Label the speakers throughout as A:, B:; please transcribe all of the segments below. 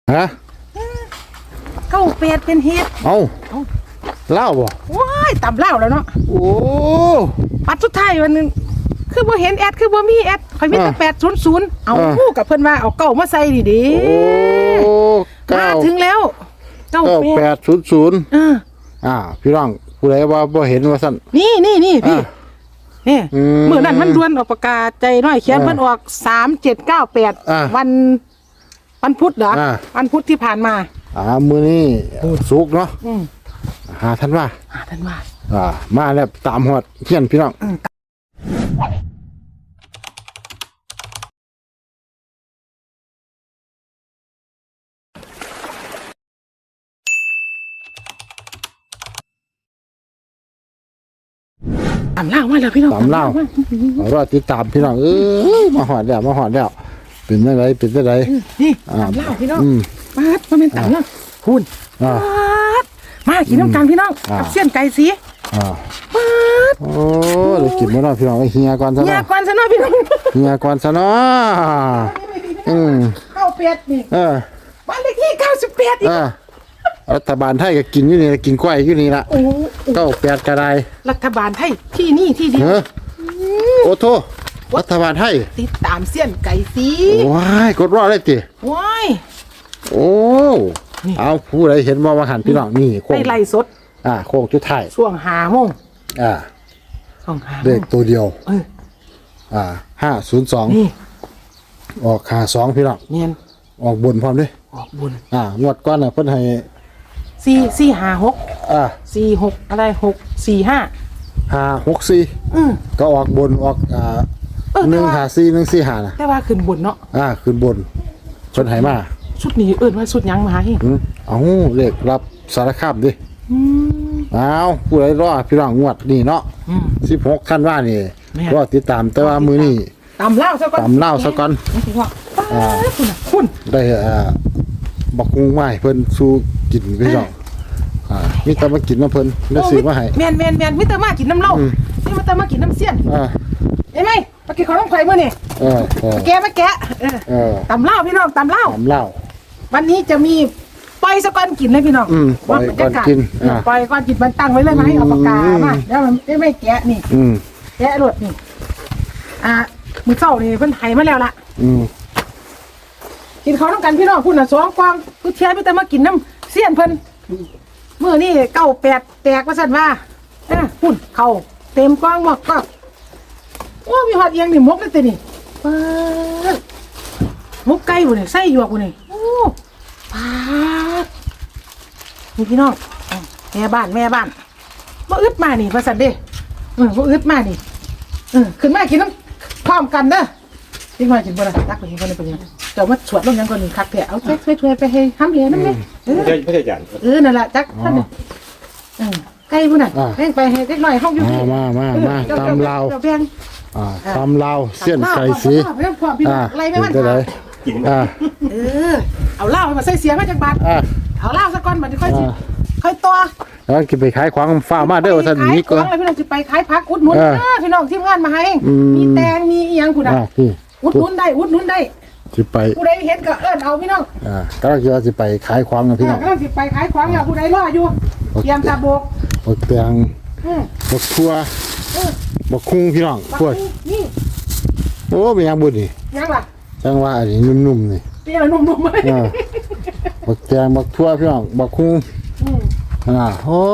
A: ฮะ
B: เก้าเป็ดเป็นเฮ็ด
A: เอาเล่าบ่
B: ว้ายตำเล่าแล้วเนาะ
A: โอ้
B: ปัดสุดท้ายวันนึงคือบ่เห็นแอดคือบ่มีแอดข่อยมีแต่800เอาคู่กับเพิ่นว่าเอาเก้ามาใส่ดิดิ
A: โอ้
B: มาถึงแล้ว
A: 9800พี่น้องผู้ใดว่าบ่เห็นว่าซั่น
B: นี่พี่นี่มื้อนั้นมันด่วนออกประกาศใจน้อยเขียนเพิ่นออก3798วันพุธเหรอวันพุธที่ผ่านมา
A: มื้อนี้ศุกร์เนาะธันวามาแล้วตามฮอดเฮียนพี่น้อง
B: ตามเล่ามาแล้วพี่น้อง
A: ตามเล่ารอติดตามพี่น้องมาหอดแล้วเป็นจังได
B: นี่ตามเล่าพี่น้องมาดบ่แม่นตามเล่าคุณมากินน้ำกันพี่น้องกับเสี้ยนไก่สีมาด
A: โอ้ได้กินบ่เนาะพี่น้องเฮียก่อนซะเนาะ
B: พี่น้อง
A: เฮียก่อนซะเนาะ
B: ข้าวเป็ดนี่บ้านเลขที่98อีก
A: รัฐบาลไทยก็กินอยู่นี่กินกล้วยอยู่นี่ล่ะ98ก็ได้
B: รัฐบาลไทยที่นี่ที่เดียว
A: โอ้โธ่รัฐบาลไทย
B: ติดตามเสี้ยนไก่สี
A: ว้ายกดรอได้ติ
B: ว้าย
A: โอ้เอาผู้ใดเห็นว่าหันพี่น้องนี่
B: โค้งไล่สด
A: โค้งจุดท้าย
B: ช่วง5 โมงช่วง5
A: เลขตัวเดียว502
B: นี่
A: ออก52พี่น้อง
B: เนียน
A: ออกบนพร้อมด้วย
B: ออกบน
A: งวดก่อนน่ะเพิ่นให้
B: 456 46อะไร645
A: 564ก็ออกบนออก154 145น่ะ
B: แต่ว่าขึ้นบนเนาะ
A: ขึ้นบนเพิ่นให้มา
B: ชุดนี้ว่าชุดยังมาให้
A: เอาเลขรับสารคามดิผู้ใดรอพี่น้องงวดนี่เนาะ16ธันวาคมนี่รอติดตามแต่ว่ามื้อนี้
B: ตำเล่าซะก่อนคุณ
A: ได้บักฮุงไม้เพิ่นสู่กินพี่น้องมีแต่มากินน้ำเพิ่นแล้วซื้อมาให้
B: แม่นมีแต่มากินน้ำเหล้านี่มาแต่มากินน้ำเสี้ยนเห็นไหมมากินของน้องไข่มื้อนี่แกะตำเล่าพี่น้องตำเล่าวันนี้จะมีปล่อยซะก่อนกินเลยพี่น้อง
A: ปล่อยก่อนกิน
B: ปล่อยก่อนกินมันตั้งไว้เลยไหมเอาปากกามาแล้วมันไม่แกะนี่แกะรวดนี่มื้อเช้านี่เพิ่นไถมาแล้วล่ะกินข้าวน้ำกันพี่น้องคุณ2 กล่องกูเชียร์พี่แต่มากินน้ำเสี้ยนเพิ่นมื้อนี้98แตกว่าซั่นว่าพุ่นเข้าเต็มกล่องหมดก็โอ้มีฮอดเอียงนี่มกเลยตินี่มกไก่บ่นี่ใส่หยวกบ่นี่โอ้ปาดนี่พี่น้องแม่บ้านบ่อึดมานี่ว่าซั่นเด้บ่อึดมานี่ขึ้นมากินน้ำพร้อมกันเด้อพี่มากินบ่ล่ะตักไปกินคนนึงเป็นยังเดี๋ยวมาสวดลงยังก่อนนึงคักแท้เอาช่วยไปให้ห้ำเหรียญนั่นเลย
C: ไม่ใช่จัน
B: นั่นแหละจักท่านใกล้พุ่นน่ะแม่งไปให้เล็กน้อยห้องอยู่
A: มาตำลาวตำลาวเสี้ยนไก่สี
B: อะไรไม่มันเอาเหล้ามาใส่เสียงมาจากบ้านเอาเหล้าสักก้อนมาค่อยตัว
A: แล้วกินไปขายของฟ้ามาเด้อท่านนี้
B: ก็พี่น้องจะไปขายผักอุดหนุนพี่น้องทีมงานมาให้มีแตงมีอีหยังพุ่นน่ะอุดหนุนได้
A: สิไป
B: ผู้ใดเห็นก็เอาพี่น้อง
A: ก็จะไปขายของนะพี่น้อง
B: ก็สิไปขายของอย่าผู้ใดรออยู่เตรียมตาบก
A: แตงบกทั่วบกคุ้งพี่น้องพวก
B: นี่
A: โอ้เป็นยังบุญนี่
B: ยังล่ะ
A: จังว่าอันนี้นุ่มๆนี่
B: เป็นอะไรนุ่มๆไหม
A: บกแตงบกทั่วพี่น้องบกคุ้งโอ้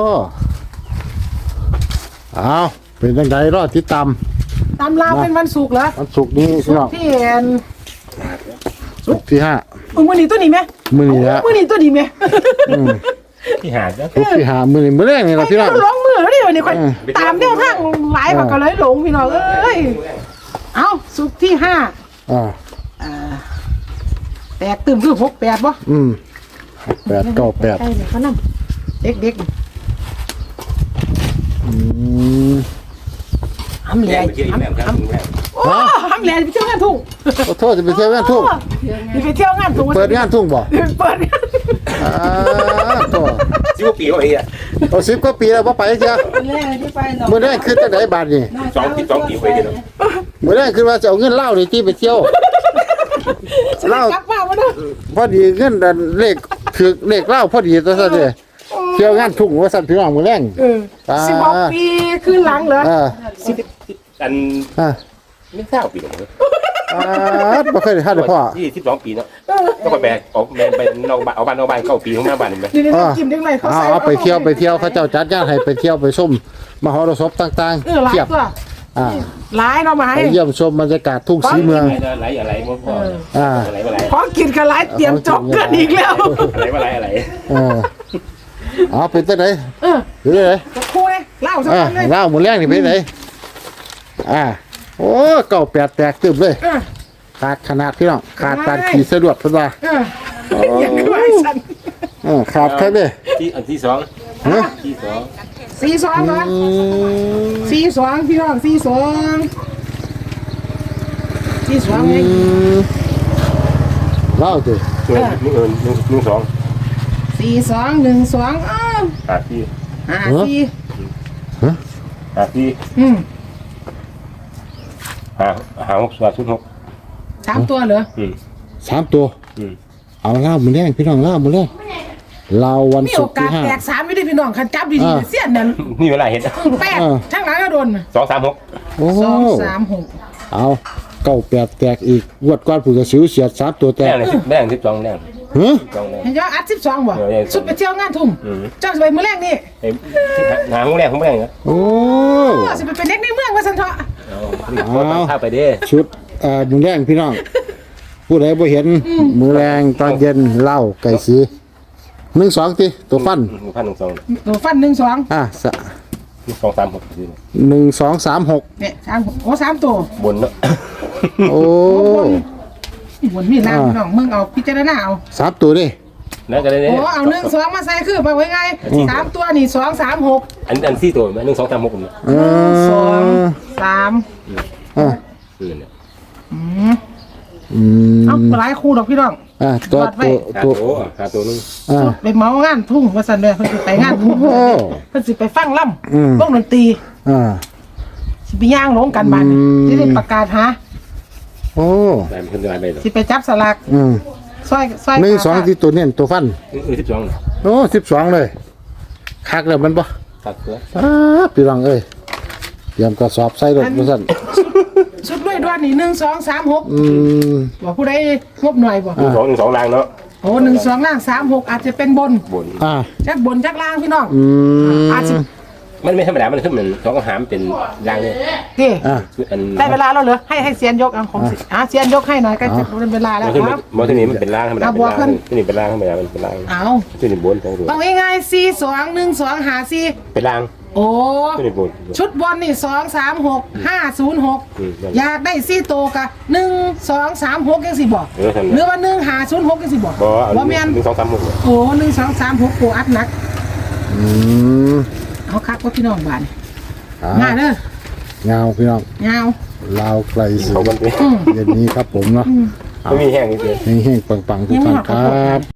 A: เอาเป็นจังไดรอติดตาม
B: ตามลาวเป็นวันศุกร์เหรอ
A: วันศุกร์นี้พี่น้อง
B: ที่เห็น
A: ศุกร์ที่5
B: มื้อนี้ตัวนี้ไหม
A: มื้อนี้แล้ว
B: มื้อนี้ตัวนี้ไหม
C: ที่หาจ้ะ
A: ศุกร์ที่5มื้อนี้มื้อแรกนี่ล่ะพี่น้อง
B: ร้องมือแล้วนี่วันนี้ค่อยตามแนวทางหลายก็เลยหลงพี่น้องเอ้ยเอาศุกร์ที่5แตกตื่มคือ68บ่
A: 8 98
B: ใช่เนี่ยเขานำเด็กห้ำแหล่ห้ำแหล่ไปเที่ยวงานทุ่ง
A: ขอโทษจะไปเที่ยวงานทุ่ง
B: ไปเที่ยวงานทุ่ง
A: เปิดงานทุ่งบ่
B: เปิด
A: ตัว
C: 10 กว่าปีแล้วไอ้
A: 10 กว่าปีแล้วบ่ไปเจ้ามื้อแรกคือจังได๋บาดนี่
C: 12 ปีไปเด้อ
A: มื้อแรกคือว่าจะเอาเงินเหล้านี่ที่ไปเที่ยวเล่าก
B: ลับมาบ่เด้อ
A: พอดีเงินดันเลขถือเลขเล่าพอดีตัวซะเด้เที่ยวงานทุ่งว่าสั่นพี่น้องมื้อแรง
B: 16 ปีขึ้นหลังเหรอ
C: อัน
A: อ่า
C: ไม่ทราบปีหรอก
A: บ่เคยได้ทานเลยพ่อ
C: 22 ปีเนาะต้องไปแบกออกแบกไปนอกบ้านเอาบ้านนอกบ้านเข้าปีของหน้าบ้านเห็นไหม
B: นี่กินได้ไหมเขาใส่
A: เอาไปเที่ยวเขาเจ้าจัดงานให้ไปเที่ยวไปชมมหรสพต่าง
B: หลาย
A: เทียบ
B: ตัว
A: อ่า
B: หลายเนาะมาให้
A: ไปเยี่ยมชมบรรยากาศทุ่งศรีเมือง
C: อะไรบ่พอ
A: อ่า
C: อะไร
B: พอกินกันหลายเตรียมจบกันอีกแล้ว
C: อะไร
A: เออเอาเป็นจังได๋
B: เออ
A: หรือได๋
B: จะคู่เลยเล่าสัก
A: อ่า
B: คนเลย
A: เล่ามื้อแรงนี่เป็นไดโอ้เก่าแปดแตกตึมเลย
B: เออ
A: ขาดขนาดพี่น้องขาดการขี่สะดวกเพิ่นว่า
B: เอออย่างคือไอ้สัน
A: ขาดแค่นี้
C: ที่สอง
A: ฮะ
C: ที่สอง
B: 42เหรอ42พี่น้อง42ไง
A: เล่าสิ
C: 1 2
B: 4212อ้าว
C: ที่
B: 54
C: ที่ หา6
B: 3ตัวเหรอ
A: 3ตัวเอาเล่ามื้อแรงพี่น้องเล่ามื้อแรงเราวัน
B: มี
A: ศุ
B: โอก
A: ร์ที่
B: กาสแตก3อยู่ดิพี่น้องคันจับดีๆเสี้ยนนั่น
C: นี่เวลาเห็น
B: แปดทั้งหลังก็โดน
C: 2 3 6
A: โอ้
B: 236
A: เอาเก่าแปดแตกอีกงวดก่อนผู้กระสิวเสียด3ตัวแต
C: แร
A: ก
C: งเลยแรง12แรง
A: ฮะ
C: 12แรง
B: เห็นยออัด12บ่สุดไปเที่ยวงานทุ่งเจ้าสิไปมื้อแรกนี่
C: หาห้องแรกเหรอ
A: โอ้
B: สิไปเป็นเด็กในเมืองว่าซั่นเถาะ
C: ข้าไปดิ
A: ชุดมื้อแรงพี่น้องผู้ใดบ่เห็นมื้อแรงตอนเย็นเหล้าไก่สี1 2ติตัวฟัน
C: 1,200
B: ตัวฟัน12
C: 2 3 6
A: 1 2 3 6
B: เนี่ย3โอ้3ตัว
C: บนเนาะ
A: โอ้
B: บนมีล่างพี่น้องมึงเอาพิจารณาเอา
A: 3ตัวดิ
C: นั่นก็ได้
B: โอ้เอา1 2มาใส่คือไปไว้ไง3ตัวนี่2 3 6
C: อัน4ตัวมั้ย1 2 3 6เนี่ย
B: 2 3
A: อ่า
C: เนี่ย
B: เอาหลายคู่ดอกพี่น้อง
C: หาตัวนึง
B: ไปเมางานทุ่งว่าซั่นเด้อเพิ่นสิไปงานทุ่งเพิ่นสิไปฟังล่ำวงดนตรี สิไปย่างลงกันบ้านสิได้ประกาศหา
A: โอ้
C: ได้มันได้ไป
B: สิไปจับสลากซอย
A: 1 2ที่ตัวเนี่ยตัวฟัน
C: 12
A: โอ้12เลยคักแล้วมันบ่
C: ตัดตัว
A: พี่น้องเอ้ยเตรียมกระสอบใส่รถบ่ซั่น
B: ชุดด้วยด้วยนี่1 2 3 6บอกผู้ใดงบหน่อยบ่
C: 2 ล่างเนาะ
B: โอ้1 2ล่าง3 6อาจจะเป็นบน จักบนจักล่างพี่น้องอาจจะ
C: มันไม่ธรรมดามันขึ้นเหมือน2กับหามเป็นล่างเนี่ย
B: ดิ
C: อัน
B: ได้เวลาแล้วเหรอให้เซียนยกเอาของเซียนยกให้หน่อยก็จะเป็นเวลาแล้ว
C: มันขึ้น
B: ครับ
C: มันที่นี่มันเป็นล่างธรรมดาเป็นล่างที่นี่เป็นล่างธรรมดามันเป็นล่าง
B: เอา
C: ที่นี่บน2ตัว
B: ต้องง่ายๆ4 2 1 2หา4
C: เป็นล่าง
B: โอ้
C: ที่นี่บน
B: ชุดบอลนี่2 3 6 5 0 6อยากได้4โตวกะ1 2 3 6จังสิบอกหรือว่า1 5 0 6จังสิบอกบ่แม่น
C: 1 2 3 6
B: โอ้1 2 3 6โกอัดหนักเอาคักว่าพี่น้องบ้านมาเด้อ
A: เงาพี่น้อง
B: เงา
A: ลาวไกลสิ
C: เขามันเป็น
A: เย็นนี้ครับผมเนาะ
C: ไม่มีแห้งนิดเดียว
A: เฮงๆปังๆทุกท่านครับ